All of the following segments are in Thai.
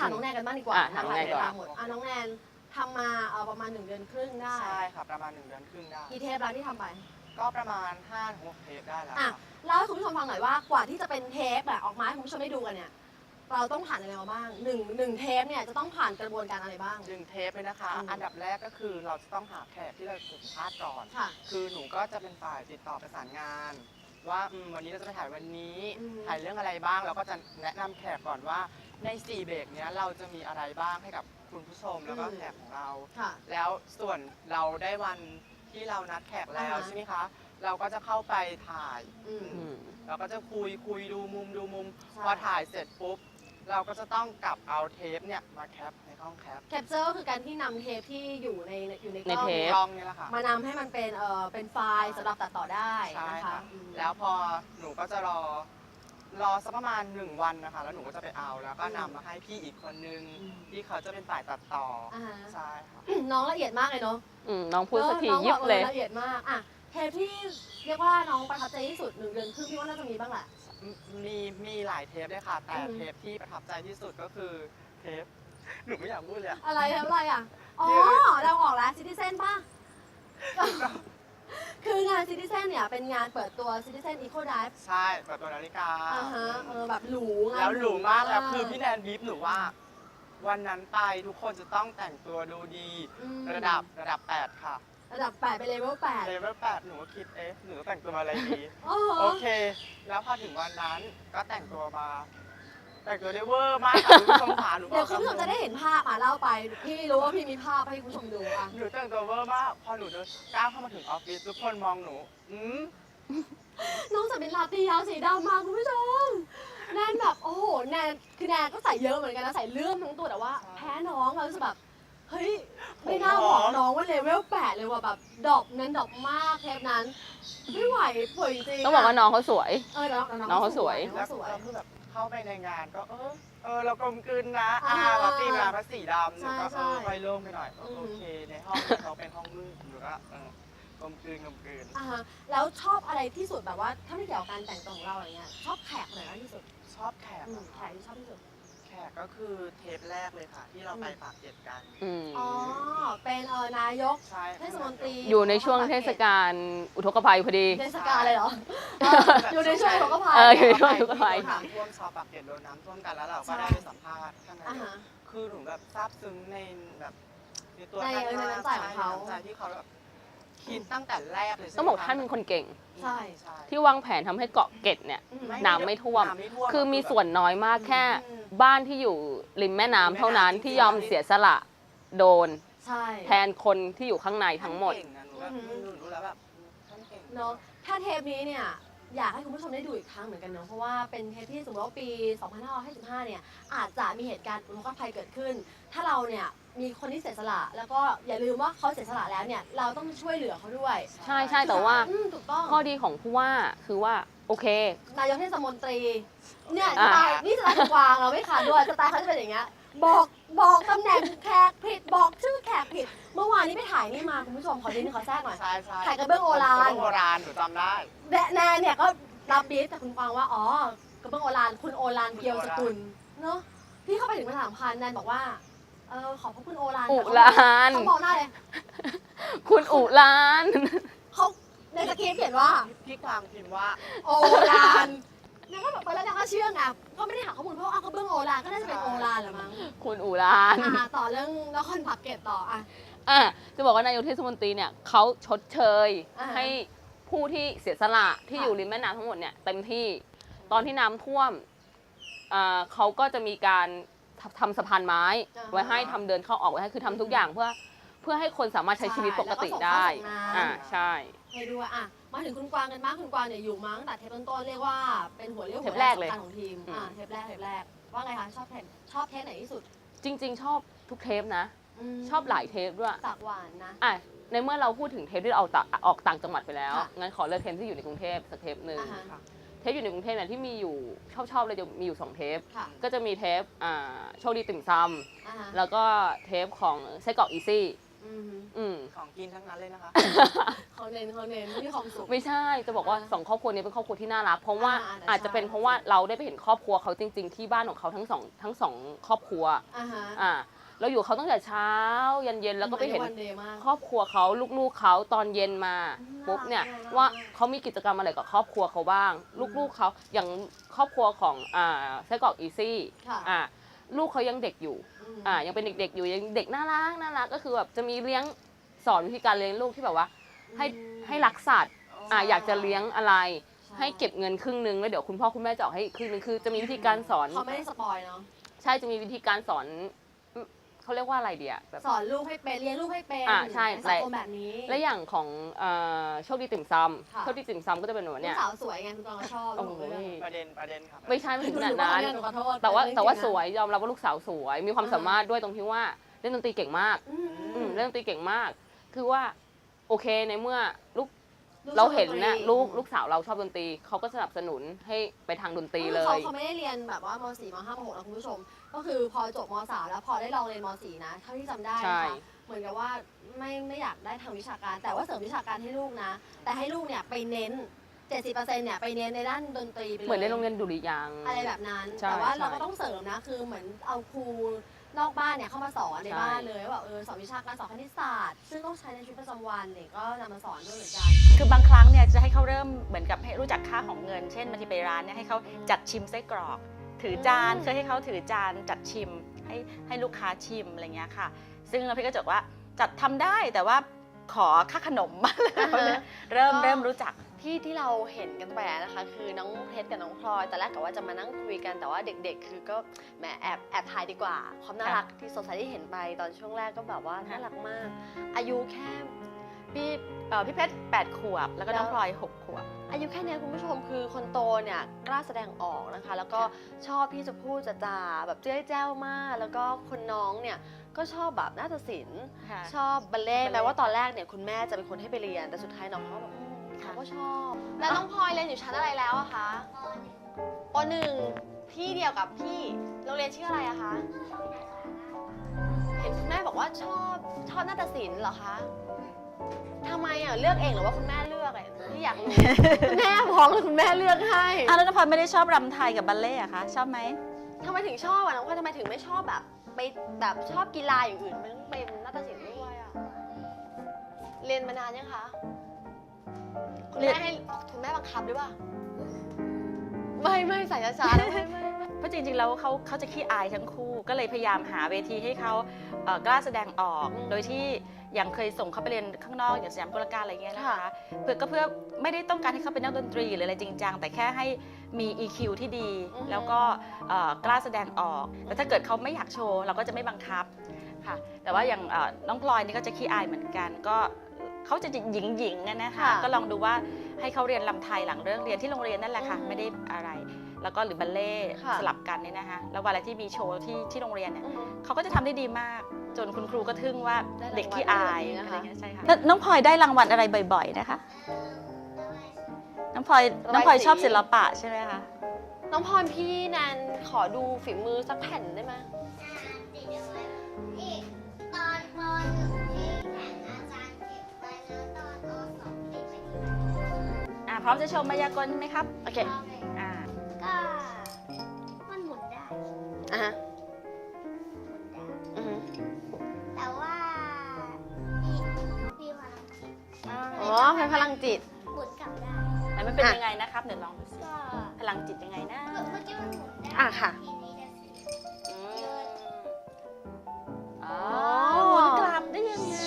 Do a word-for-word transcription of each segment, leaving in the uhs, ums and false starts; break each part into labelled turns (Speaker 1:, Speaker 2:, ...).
Speaker 1: ามน้องแนนกันบ้างดีกว่า
Speaker 2: อ่ะ
Speaker 1: นะ
Speaker 2: ถาม
Speaker 1: คะ
Speaker 2: น้องแนนก่อน
Speaker 1: เวลาหมดอ่ะน้องแนนทำมาเอ่อประมาณหนึ่งเดือนครึ่งได้
Speaker 3: ใช่ค่ะประมาณหนึ่งเดือนครึ่งได้
Speaker 1: กี่เทปแล้วที่ทำไป
Speaker 3: ก็ประมาณห้าถึงหกเทปได้แล้ว
Speaker 1: อ่ะ
Speaker 3: ค่ะ
Speaker 1: เล่าให้คุณผู้ชมฟังหน่อยว่ากว่าที่จะเป็นเทปแบบออกมาให้คุณผู้ชมได้ดูกันเนี่ยเราต้องผ่านอะไรมาบ้างหนึ่งหนึ่งเทปเนี่ยจะต้องผ่านกระบวนการอะไรบ้าง
Speaker 3: หนึ่งเทปเลยนะคะ
Speaker 1: อืม
Speaker 3: อันดับแรกก็คือเราจะต้องหาแขกที่เราสัมภาษณ์ก่อน
Speaker 1: ค่ะ
Speaker 3: คือหนูก็จะเป็นฝ่ายติดต่อประสานงาน ว่าอืมวันนี้เราจะไปถ่ายวันนี้
Speaker 1: อืม
Speaker 3: ถ่ายเรื่องอะไรบ้างเราก็จะแนะนำแขกก่อนว่าในสี่เบรกเนี้ยเราจะมีอะไรบ้างให้กับคุณผู้ชมแล้วก็แขกของเรา
Speaker 1: ค่ะ
Speaker 3: แล้วส่วนเราได้วันที่เรานัดแขกแล้ว
Speaker 1: อ่าฮะ
Speaker 3: ใช่ไหมคะ เราก็จะเข้าไปถ่าย
Speaker 1: อืม
Speaker 2: อืม
Speaker 3: เราก็จะคุยคุยดูมุมดูมุม
Speaker 1: ใช่
Speaker 3: พอถ่ายเสร็จปุ๊บ เราก็จะต้องกลับเอาเทปเนี่ยมาแคปในห้องแคป
Speaker 1: แคปเจอร์คือการที่นำเทปที่อยู่ในอยู่ในก
Speaker 2: ใน
Speaker 1: ล้อง
Speaker 2: เทป
Speaker 3: กล้องเนี่ยแหละค่ะ
Speaker 1: มานำให้มันเป็นเอ่อเป็นไฟล์สำหรับตัดต่อได้
Speaker 3: ใช่
Speaker 1: นะคะ
Speaker 3: ค่ะ
Speaker 1: อืม
Speaker 3: แล้วพอหนูก็จะรอรอสักประมาณหนึ่งวันนะคะ แล้วหนูก็จะไปเอาแล้วก็นำมาให้พี่อีกคนนึง
Speaker 1: อืม
Speaker 3: ที่เขาจะเป็นฝ่ายตัดต่ออา
Speaker 1: ฮะ
Speaker 3: ใช่ค่ะ
Speaker 1: น้องละเอียดมากเลยเนาะ
Speaker 2: อืมน้องพูดสักที
Speaker 1: ออน้อง
Speaker 2: ยิบเลย
Speaker 1: ละเอียดมากอ่ะเทปที่เรียกว่าน้องประทับใจที่สุดหนึ่งเดือนครึ่งพี่ว่าน่าจะมีบ้างแหละ
Speaker 3: มีมีหลายเทปเลยค่ะ แต่
Speaker 1: อืม
Speaker 3: เทปที่ประทับใจที่สุดก็คือเทปหนูไม่อยากพูดเลยอะ
Speaker 1: อะไรทำอะไรอ่ะ อ๋อ เราออกแล้วซิติเซนป่ะ คืองานซิติเซนเนี่ยเป็นงานเปิดตัวซิติเซนอีโคไดฟ์
Speaker 3: ใช่แบบตัวนาฬิกา
Speaker 1: อ่าฮะเออแบบหรูงาน
Speaker 3: แล้วหรูมากแล้วคือพี่แนนบีบหนูว่า วันนั้นไปทุกคนจะต้องแต่งตัวดูดี
Speaker 1: อืม
Speaker 3: ระดับระดับแปดค่ะ
Speaker 1: ระดับแปดไปเลเวลแปด
Speaker 3: เลเวลแปดหนูก็คิดเอ๊ะหนูแต่งตัวอะไรดี
Speaker 1: โอ้โห
Speaker 3: โอเค แล้วพอถึงวันนั้นก็แต่งตัวมา แต่งตัวได้เวอร์มากค่ะคุณผู้ชมขาหนูบ
Speaker 1: เดี๋
Speaker 3: อย ก
Speaker 1: วคุณผู้ชมจะได้เห็นภาพอ่ะเล่าไป พี่รู้ว่าพี่มีภาพให้คุณผู้ชมดูอ่ะ
Speaker 3: หนูแต่งตัวเวอร์มากพอหนูเดินก้าวเข้ามาถึงออฟฟิศทุกคนมองหนูอืม
Speaker 1: น้องใส่เป็นลาตียาวสีดำมาคุณผู้ชม แนนแบบโอ้โหแนนคือแนนก็ใส่เยอะเหมือนกันนะใส่เลื่อมทั้งตัวแต่ว่าแพ้น้องเรารู้สึกแบบเฮ้ยไม่น่าบอกน้องว่าเลเวลแปดเลยว่ะแบบดรอปนั้นดรอปมากเทปนั้น ไม่ไหวป่วยจริงๆ
Speaker 2: ต้องบอกว่าน้องเขาสวย
Speaker 1: เออน้อง
Speaker 2: น้องเขาสวย
Speaker 1: น้อง
Speaker 3: แล้ว
Speaker 1: เขาสวย
Speaker 3: เราคือแบบเข้าไปในงานก็เออเออเรากลมกลืนนะ
Speaker 1: อ่า
Speaker 3: อ่าเราตีมาพระสีดำหนู
Speaker 1: ใช่
Speaker 3: ก็
Speaker 1: ใช่
Speaker 3: เออค่อยโล่งไปหน่อย
Speaker 1: อืม
Speaker 3: โอเคในห้องเขาเป็นห้องมืดหนูก็เออกลมกลืนกลมกลืน
Speaker 1: อ่าฮะแล้วชอบอะไรที่สุดแบบว่าถ้าไม่เกี่ยวกับการแต่งตัวของเราอะไรเงี้ยชอบแขกไหนมากที่สุด
Speaker 3: ชอบแขก
Speaker 1: อืม
Speaker 3: อะ
Speaker 1: แขกที่ชอบที่สุด
Speaker 3: แขกก็คือเทปแรกเลยค่ะ ที่เราไปปากเกร็ดกัน
Speaker 2: อืม
Speaker 1: อ๋อเป็นเออนายก
Speaker 3: ใช่
Speaker 1: เทศมนตรี
Speaker 2: อยู่ในช่วงเทศกาลอุทกภัยพอดี
Speaker 1: เทศกาลเลยเหรอเอออยู่ในช่วงของกภัย
Speaker 2: เอออยู่ในช่วง ทุกข์ภัย
Speaker 3: น้ำท่วมชาวปากเกร็ดโดนน้ำท่วมกันแล้วเราก็
Speaker 1: ใช่
Speaker 3: ได้ไปสัมภาษณ์ข้างใน
Speaker 1: อ่าฮะ
Speaker 3: คือหนูแบบซาบซึ้งในแบบในตัว
Speaker 1: ใน
Speaker 3: ท่าน
Speaker 1: ในน้ำใจของเขา
Speaker 3: น้ำใจที่เขาแบบคิดตั้งแต่แรกเลยใช่ไหม
Speaker 2: ต้องบอกท่านเป็นคนเก่ง
Speaker 1: ใช่
Speaker 3: ใช่
Speaker 2: ที่วางแผนทำให้เกาะเกร็ดเนี่ย
Speaker 1: อืม
Speaker 2: น้ำไม่ท่วม
Speaker 3: น้ำไม่ท่วม
Speaker 2: คือมีส่วนน้อยมากแค่
Speaker 1: อืม
Speaker 2: บ้านที่อยู่ริมแม่น้ำเท่านั้นที่ยอมเสียสละโดน
Speaker 1: ใช่
Speaker 2: แทนคนที่อยู่ข้างในทั้งหมด
Speaker 3: ท่านเก่งนะหนูแบบ
Speaker 1: อือหือ
Speaker 3: หนูรู้แล้วแบบท่านเก่ง
Speaker 1: เนาะถ้าเทปนี้เนี่ยอยากให้คุณผู้ชมได้ดูอีกครั้งเหมือนกันเนาะเพราะว่าเป็นเทปที่สมมติว่าปี สองพันห้าร้อยห้าสิบห้า เนี่ยอาจจะมีเหตุการณ์อุทกภัยเกิดขึ้น ถ้าเราเนี่ยมีคนที่เสียสละแล้วก็อย่าลืมว่าเขาเสียสละแล้วเนี่ยเราต้องช่วยเหลือเขาด้วย
Speaker 2: ใช่ใช่แต่ว่า
Speaker 1: อืมถูกต้อง
Speaker 2: ข้อดีของผู้ว่าคือว่าโอเค
Speaker 1: นายกเทศมนตรีเนี่ยส
Speaker 2: อ่า
Speaker 1: ไตล์นี่สไตล์ของกวางเราไม่ขาดด้วยสไตล์เขาจะเป็นอย่างเงี้ยบอกบอกตำแหน่งแขกผิดบอกชื่อแขกผิด เมื่อวานนี้ไปถ่ายนี่มาคุณผู้ชมขอดินขอแทรกหน่อย
Speaker 3: ใช่ใช่
Speaker 1: ถ่ายกระเบื้องโอฬาร
Speaker 3: กระเบื้องโบราณหนูจำได้
Speaker 1: แนแนนเนี่ยก็รับบีฟจากคุณกวางว่าอ๋อกระเบื้องโอฬารคุณโอฬารเกียวสกุลเนาะพี่เข้าไปถึงมาถามพันแนนบอกว่าเออขอบพระคุณโอฬาร
Speaker 2: อุลาน
Speaker 1: เขาบอกหน้าเลย
Speaker 2: คุณอุลาน
Speaker 1: เขาในสคริปต์เขียนว่า
Speaker 3: พี่กวางพิมพ์ว่า
Speaker 1: โอฬารเนี่ยก็แบบไปแล้วเนี่ยก็เชื่อไงก็ไม่ได้หาข้อมูลเพราะว่าเอากระเบื้องโอฬารก็น่าจะเป็นโอฬารแหรือมั้ง
Speaker 2: คุณอุลาน
Speaker 1: อ่าต่อเรื่องนครปากเกร็ดต่ออ่ะ
Speaker 2: อ่ะจะบอกว่านายกเทศมนตรีเนี่ยเขาชดเชย
Speaker 1: อ่าฮะ
Speaker 2: ให้ผู้ที่เสียสละที่
Speaker 1: ค่ะ
Speaker 2: อยู่ริมแม่น้ำทั้งหมดเนี่ยเต็มที่ตอนที่น้ำท่วมอ่าเขาก็จะมีการทำทำสะพานไม้ ไว้ให้ทำเดินเข้าออกไว้ให้คือทำทุกอย่างเพื่อเพื่อให้คนสามารถใช้ชีวิตปกติได้ อ่าใช่
Speaker 1: ให้ด้วยอ่ะมาถึงคุณกวางกันบ้างคุณกวางเนี่ยอยู่มาตั้งแต่เทปต้นๆเรียกว่าเป็นหัวเรี่ยวหัว
Speaker 2: เทปแรกเลย
Speaker 1: สำคัญของทีมอ่า
Speaker 2: อืม
Speaker 1: เทปแรกเทปแรกว่าไงคะชอบเทปชอบเทปไหนที่สุด
Speaker 2: จริง ๆ ชอบทุกเทปนะ
Speaker 1: ม
Speaker 2: ชอบหลายเทปด้วย
Speaker 1: ปากหวานนะ
Speaker 2: อ่ะในเมื่อเราพูดถึงเทปที่เราออกต่างออกต่างจังหวัดไปแล้ว
Speaker 1: ค่ะ
Speaker 2: งั้นขอเลือกเทปที่อยู่ในกรุงเทพสักเทปหนึ่ง
Speaker 1: อ่าฮะ
Speaker 2: เทปอยู่ในกรุงเทพเนี่ยที่มีอยู่ชอบชอบเลยจะมีอยู่สองเทป
Speaker 1: ค่ะ
Speaker 2: ก็จะมีเทปอ่าโชคดีติ่มซ
Speaker 1: อ่าฮะ
Speaker 2: ำแล้วก็เทปของไส้กรอกอีซี่
Speaker 1: อือืม
Speaker 2: อืม
Speaker 3: ของกินทั้งนั้นเลยนะคะ
Speaker 1: เขาเน้นเขาเน้นมีความสุข
Speaker 2: ไม่ใช่จะบอกว่า
Speaker 1: อ่า
Speaker 2: สองครอบครัวนี้เป็นครอบครัวที่น่ารักเพราะว่า
Speaker 1: อ่าแต่
Speaker 2: อาจจะเป็น
Speaker 1: ใช่
Speaker 2: เพราะว่าเราได้ไปเห็นครอบครัวเขาจริง ๆ ที่บ้านของเขาทั้งสองทั้งสองครอบครัว
Speaker 1: อ่าฮะ
Speaker 2: อ่าเราอยู่เขาตั้งแต่เช้ายันเย็นแล้วก็ไปเห็น
Speaker 1: วันเดย์มาก
Speaker 2: ครอบครัวเขาลูกๆเขาตอนเย็นมา
Speaker 1: อืม
Speaker 2: ปุ๊บเนี่ย
Speaker 1: น่ารัก
Speaker 2: ว่า
Speaker 1: น่ารัก
Speaker 2: เขามีกิจกรรมอะไรกับครอบครัวเขาบ้าง
Speaker 1: อืม
Speaker 2: ลูกๆเขาอย่างครอบครัวของอ่าไส้กรอกอีซี่
Speaker 1: ค่ะ
Speaker 2: อ่าลูกเขายังเด็กอยู่
Speaker 1: ม
Speaker 2: อ่ายังเป็นเด็กๆอยู่ยังเด็กน่ารักน่ารักก็คือแบบจะมีเลี้ยงสอนวิธีการเลี้ยงลูกที่แบบว่า ให้
Speaker 1: อืม
Speaker 2: ให้รักสัตว์อ่าอยากจะเลี้ยงอะไร
Speaker 1: ใช่
Speaker 2: ให้เก็บเงินครึ่งนึงแล้วเดี๋ยวคุณพ่อคุณแม่จะออกให้อีกครึ่งนึงคือจะมีวิธีการสอน
Speaker 1: เขาไม่ได้สปอยเนาะ
Speaker 2: ใช่จะมีวิธีการสอนเขาเรียกว่าอะไรเดียแบบ
Speaker 1: สอนลูกให้เป็นเลี้ยงลูกให้เป็น
Speaker 2: อ่าใช่
Speaker 1: นสังคมแบบนี้
Speaker 2: และอย่างของเอ่อโชคดีติ่มซ
Speaker 1: ค่ะ
Speaker 2: ำโชคดีติ่มซำก็จะเป็นแบบ
Speaker 1: ลู
Speaker 2: เนี้
Speaker 1: ก
Speaker 2: ย
Speaker 1: สาวสวยไงคุณตองก็ชอบ
Speaker 2: โอ้โห
Speaker 1: ลูกเลย
Speaker 3: ประเด็นประเด็นค่ะ
Speaker 2: ไม่ใช่ไม่ถึงขนาด
Speaker 1: ห
Speaker 2: นั้น
Speaker 1: หขอโทษ
Speaker 2: แต่ว่า
Speaker 1: เรื่อง
Speaker 2: แต่ว่า
Speaker 1: จริงนะ
Speaker 2: สวยยอมรับว่าลูกสาวสวย มีความ
Speaker 1: อ่า
Speaker 2: สามารถด้วยตรงที่ว่าเล่นดนตรีเก่งมาก
Speaker 1: อืม
Speaker 2: อืมเล่นดนตรีเก่งมาก คือว่าโอเคในเมื่อลูก
Speaker 1: ลูก
Speaker 2: เราเห็น
Speaker 1: ชอบดต
Speaker 2: นะลูกลูกสาวเราชอบดนตรีเขาก็สนับสนุนให้ไปทางดนตรีเล
Speaker 1: เขา
Speaker 2: ย
Speaker 1: เขาไม่ได้เรียนแบบว่ามสี่มห้ามหกนะคุณผู้ชม ก็คือพอจบมสามแล้วพอได้ลองเรียนมสี่นะเท่าที่จำได้
Speaker 2: ใช่
Speaker 1: นะคะเหมือนกับว่าไม่ไม่อยากได้ทางวิชาการ แต่ว่าเสริมวิชาการให้ลูกนะ แต่ให้ลูกเนี่ยไปเน้น เจ็ดสิบเปอร์เซ็นต์ เนี่ยไปเน้นในด้านดนตรีไปเลย
Speaker 2: เหมือนในโรงเรียนดุริยางค์
Speaker 1: อะไรแบบนั้น
Speaker 2: ใช่
Speaker 1: แต่ว่า
Speaker 2: ใช่
Speaker 1: เราก็ต้องเสริมนะ คือเหมือนเอาครูนอกบ้านเนี่ยเข้ามาสอนใน
Speaker 2: ใช่
Speaker 1: บ้านเลยว่าแบบเออสอนวิชาการสอนคณิตศาสตร์ ซึ่งต้องใช้ในชีวิตประจำวันเนี่ยก็นำมาสอนด้วยเหมือนกัน
Speaker 4: คือบางครั้งเนี่ยจะให้เขาเริ่มเหมือนกับให้รู้จักค่าของเงิน เช่นบางทีไปร้านเนี่ยให้เขาจัดชิมไส้กรอก ถือจาน
Speaker 1: อืม
Speaker 4: เคยให้เขาถือจานจัดชิมให้ให้ลูกค้าชิมอะไรเงี้ยค่ะ ซึ่งพี่ก็จะบอกว่าจัดทำได้แต่ว่าขอค่าขนมมาเลยเริ่มเริ่มรู้จัก
Speaker 1: ที่ที่เราเห็นกันไปอะนะคะ คือน้องเพชรกับน้องพลอยแต่แรกกะว่าจะมานั่งคุยกันแต่ว่าเด็กๆ คือก็แหมแอบแอบถ่ายดีกว่า ความน่ารักที่สดใสที่เห็นไปตอนช่วงแรกก็แบบว่าน่ารักมาก อายุแค่
Speaker 4: พี่เอ่อพี่เพชรแปดขวบ แล้วก็น้องพลอยหกขวบ
Speaker 1: อายุแค่เนี้ยคุณผู้ชมคือคนโตเนี่ยกล้าแสดงออกนะคะ แล้วก็ชอบที่จะพูดจะจาแบบเจ้ยแจ้วมาก แล้วก็คนน้องเนี่ยก็ชอบแบบนาฏศิลป์
Speaker 4: ค่ะ
Speaker 1: ชอบบัลเล่ต์
Speaker 4: บัลเล่ต์
Speaker 1: แม้ว่าตอนแรกเนี่ยคุณแม่จะเป็นคนให้ไปเรียน แต่สุดท้ายน้องเขาแบบอืมเขาก็ชอบ แล้วน้องพลอยเรียนอยู่ชั้นอะไรแล้วอะคะปหนึ่งที่เดียวกับพี่โรงเรียนชื่ออะไรอะคะเห็นคุณแม่บอกว่าชอบชอบนาฏศิลป์เหรอคะทำไมอะเลือกเองหรือว่าคุณแม่เลือกอะที่อยากรู้ คุณแม่พ้องหรือคุณแม่เลือกให้
Speaker 4: อ้าวแล้วน้องพลอยไม่ได้ชอบรำไทยกับบัลเล่ต์อะคะชอบไหม
Speaker 1: ทำไมถึงชอบอะน้องพลอยทำไมถึงไม่ชอบแบบไปแบบชอบกีฬาอย่างอื่นมันต้องเป็นนาฏศิลป์ด้วยอะเรียนมานานยังคะคุณ
Speaker 4: เรียน
Speaker 1: แม่ให้คุณแม่บังคับด้วยป่ะไม่ไม่ใส่ช้าๆนะไม่ไม่ไม่
Speaker 4: เพราะจริงๆแล้วเขาเขาจะขี้อายทั้งคู่ ก็เลยพยายามหาเวทีให้เขาเอ่อกล้าแสดงออก โดยที่อย่างเคยส่งเขาไปเรียนข้างนอกอย่างสยามกุลการอะไรเงี้ยนะคะเพื่อก็เพื่อไม่ได้ต้องการให้เขาเป็นนักดนตรีหรืออะไรจริงจังแต่แค่ให้มี อี คิว ที่ดี แล้วก็เอ่อกล้าแสดงออก แต่ถ้าเกิดเขาไม่อยากโชว์เราก็จะไม่บังคับค่ะแต่ว่าอย่างเอ่อน้องพลอยนี่ก็จะขี้อายเหมือนกันก็เขาจะหญิงหญิงๆนะคะก็ลองดูว่าให้เขาเรียนรำไทยหลังเลิกเรียนที่โรงเรียนนั่นแหละค่ะไม่ได้อะไร แล้วก็หรือบัลเล่ต์สลับกันเนี่ยนะคะแล้วเวลาที่มีโชว์ที่ที่โรงเรียนเนี่ย
Speaker 1: อืม
Speaker 4: เขาก็จะทำได้ดีมาก จนคุณครูก็ทึ่งว่า
Speaker 1: ได้รางวัล
Speaker 4: เด็กขี้อาย
Speaker 1: แบบนี้นะคะ
Speaker 4: อะไรเงี้ยใช่ค่ะแล้วน้องพลอยได้รางวัลอะไรบ่อยๆนะคะน้องพลอยน้องพลอยชอบศิลปะใช่ไหมคะ
Speaker 1: น้องพรพี่แนนขอดูฝีมือสักแผ่นได้ไหม
Speaker 5: ติดเอาไว้อีกตอนปหนึ่งที่แข่งอาจารย์เก็บไว้แล้วตอนปสองติดไว้ที่ไหน
Speaker 4: อ่าพร้อมจะชมมายากลไหมครับ
Speaker 1: โอเค
Speaker 5: เอาเลย
Speaker 4: อ่า
Speaker 5: ก็มันหมุนได้
Speaker 1: อ่ะฮะ
Speaker 5: หมุนได้
Speaker 1: อือฮึ
Speaker 5: แต่ว่ามีมีพลังจิต
Speaker 1: อ๋อใช้พลังจิต
Speaker 5: หมุนกลับได้
Speaker 4: แล้วมันเป็น
Speaker 1: อ่ะ
Speaker 4: ยังไงนะครับเดี๋ยวลองดูสิ
Speaker 5: ก็
Speaker 4: พลังจิตยังไงนะ
Speaker 5: เมื่อกี้มันหมุนได้
Speaker 1: อ่ะค่ะ
Speaker 5: ทีนี้จะสิ
Speaker 4: อืมอ๋อ
Speaker 1: อ๋อ
Speaker 4: หมุนกลับได้ยังไง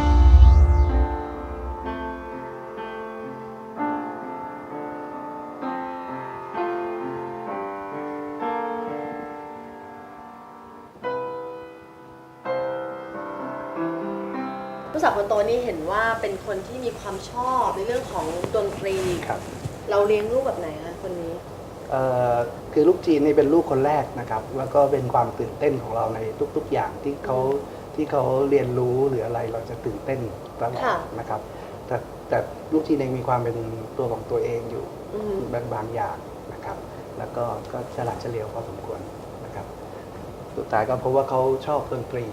Speaker 1: ลูกสาวคนโตนี่เห็นว่าเป็นคนที่มีความชอบในเรื่องของดนตรี
Speaker 6: ครับ
Speaker 1: เราเลี้ยงลูกแบบไหนคะคนนี้
Speaker 6: เอ่อคือลูกจีนนี่เป็นลูกคนแรกนะครับ แล้วก็เป็นความตื่นเต้นของเราในทุกๆอย่างที่เขาที่เขาเรียนรู้หรืออะไรเราจะตื่นเต้นตลอด
Speaker 1: ค่ะ
Speaker 6: นะครับ แต่แต่ลูกจีนเองมีความเป็นตัวของตัวเองอยู่
Speaker 1: อือฮึ
Speaker 6: บางบางอย่างนะครับ แล้วก็ก็ฉลาดเฉลียวพอสมควรนะครับ สุดท้ายก็เพราะว่าเขาชอบดนตรี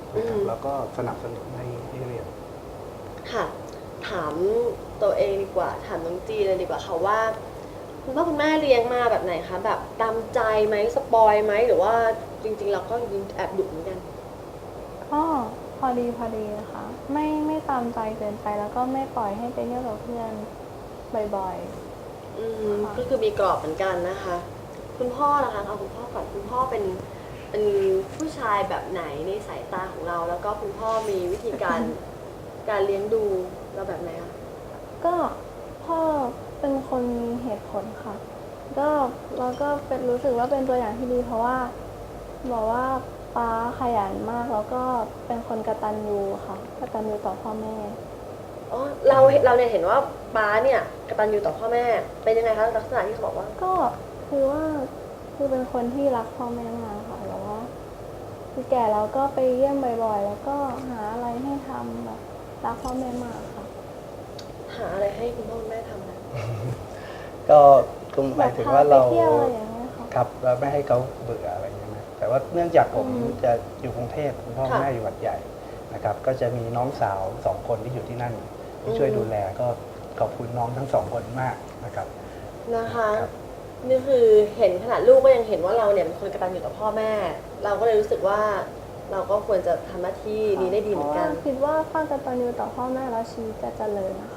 Speaker 6: นะครับ
Speaker 1: อืม
Speaker 6: แล้วก็สนับสนุนให้ให้เรียน
Speaker 1: ค่ะ ถามตัวเองดีกว่า ถามน้องจีเลยดีกว่าค่ะว่าคุณพ่อคุณแม่เลี้ยงมาแบบไหนคะ แบบตามใจไหมสปอยไหม หรือว่าจริงๆเราก็ยิงแอบดุเหมือนกัน
Speaker 7: ก็พอดีพอดีนะคะไม่ไม่ตามใจเกินไปแล้วก็ไม่ปล่อยให้ไปเที่ยวกับเพื่อนบ่อย
Speaker 1: อืมก็คือมีกรอบเหมือนกันนะคะ คุณพ่อล่ะคะเอาคุณพ่อก่อนคุณพ่อเป็นเป็นผู้ชายแบบไหนในสายตาของเรา แล้วก็คุณพ่อมีวิธีการ การเลี้ยงดูเราแบบไหนคะ
Speaker 7: ๆ ก็พ่อเป็นคนมีเหตุผลค่ะ ก็เราก็เป็นรู้สึกว่าเป็นตัวอย่างที่ดี เพราะว่าบอกว่าป๊าขยันมากแล้วก็เป็นคนกตัญญูค่ะกตัญญูต่อพ่อแม่
Speaker 1: อ๋อเราเราเนี่ยเห็นว่าป้าเนี่ยกตัญญูต่อพ่อแม่ เป็นยังไงคะลักษณะที่เขาบอกว่า
Speaker 7: ก็คือว่าคือเป็นคนที่รักพ่อแม่มากค่ะแล้วว่าคือแก่แล้วก็ไปเยี่ยมบ่อยๆ แล้วก็หาอะไรให้ทำแบบรักพ่อแม่มากค่ะ
Speaker 1: หาอะไรให้คุณพ่อคุณแม่ทำนะ
Speaker 6: ก็คงห
Speaker 7: แบ
Speaker 6: มาย
Speaker 7: บ
Speaker 6: ถึง
Speaker 7: พา
Speaker 6: ว่า
Speaker 7: ไป
Speaker 6: เรา
Speaker 7: เที่ยวอะไรอย่างเงี้ยค่ะ
Speaker 6: ครับเราไม่ให้เขาเบื่ออะไรอย่างเงี้ยนะแต่ว่าเนื่องจากผม
Speaker 7: อืม
Speaker 6: จะอยู่กรุงเทพคุณพ่อคุณ
Speaker 1: ค่ะ
Speaker 6: แม่อยู่วัดใหญ่นะครับ ก็จะมีน้องสาวสองคนที่อยู่ที่นั่นที่ช่วย
Speaker 1: อืม
Speaker 6: ดูแลก็ขอบคุณน้องทั้งสองคนมากนะครับ
Speaker 1: นะคะ
Speaker 6: ครับ
Speaker 1: นี่คือเห็นขนาดลูกก็ยังเห็นว่าเราเนี่ยเป็นคนกตัญญูต่อพ่อแม่ เราก็เลยรู้สึกว่าเราก็ควรจะทำหน้าที่นี้ได้ดีเหมือนกัน
Speaker 7: พราะว่าคิดว่าถ้ากตัญญูต่อพ่อแม่แล้วชีวิตจะเจริญนะคะ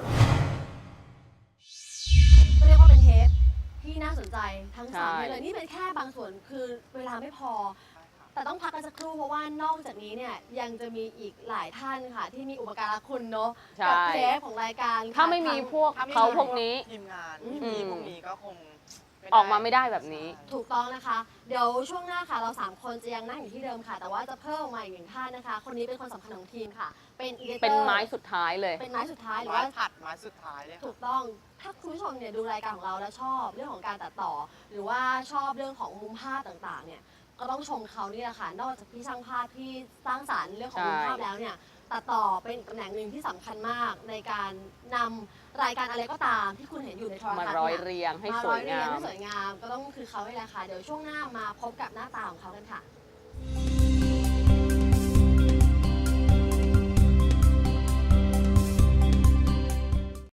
Speaker 1: ก็เรียกว่าเป็นเทปที่น่าสนใจทั้งสาม
Speaker 2: ใช่
Speaker 1: เทปเลยนี่เป็นแค่บางส่วนคือเวลาไม่พอ แต่ต้องพักกันสักครู่เพราะว่านอกจากนี้เนี่ยยังจะมีอีกหลายท่านค่ะ ที่มีอุปการะคุณเนาะ
Speaker 2: ใช่
Speaker 1: กับเทปของรายการ
Speaker 2: ถ้าไม่มีพวก
Speaker 3: ถ้าไม่
Speaker 2: เขา
Speaker 3: มี
Speaker 2: พวกนี้
Speaker 3: ทีมงาน
Speaker 1: อืม
Speaker 3: พี่ๆพวกนี้ก็คง
Speaker 2: ออกมาไม่ได้แบบนี้
Speaker 1: ถูกต้องนะคะ เดี๋ยวช่วงหน้าค่ะ เราสามคนจะยังนั่งอยู่ที่เดิมค่ะ แต่ว่าจะเพิ่มออกมาอีกหนึ่งท่านนะคะ คนนี้เป็นคนสำคัญของทีมค่ะ เป็นอีเดเตอร์
Speaker 2: เป็นไม้สุดท้ายเลย
Speaker 1: เป็นไม้สุดท้ายหรือ
Speaker 3: ไม้
Speaker 1: ว่า
Speaker 3: ผัดไม้สุดท้ายเลยค่ะ
Speaker 1: ถูกต้อง ถ้าคุณผู้ชมเนี่ยดูรายการของเราแล้วชอบเรื่องของการตัดต่อ หรือว่าชอบเรื่องของมุมภาพต่างๆ เนี่ย ก็ต้องชมเขานี่แหละค่ะ นอกจากพี่ช่างภาพที่สร้างสรรค์เรื่องของมุมภาพแล้วเนี่ย ตัดต่อเป็นอีกตำแหน่งหนึ่งที่สำคัญมากในการนำรายการอะไรก็ตามที่คุณเห็นอยู่ในโทรทัศน์
Speaker 2: มา
Speaker 1: เนี่ย
Speaker 2: ร้อยเรียงให้
Speaker 1: มา
Speaker 2: ส
Speaker 1: ร้
Speaker 2: ว
Speaker 1: อย ยเรี
Speaker 2: งาย
Speaker 1: ง
Speaker 2: ม
Speaker 1: ให้สวยงามก็ต้องคือเขาให้แหละค่ะ เดี๋ยวช่วงหน้ามาพบกับหน้าตาของเขากันค่ะ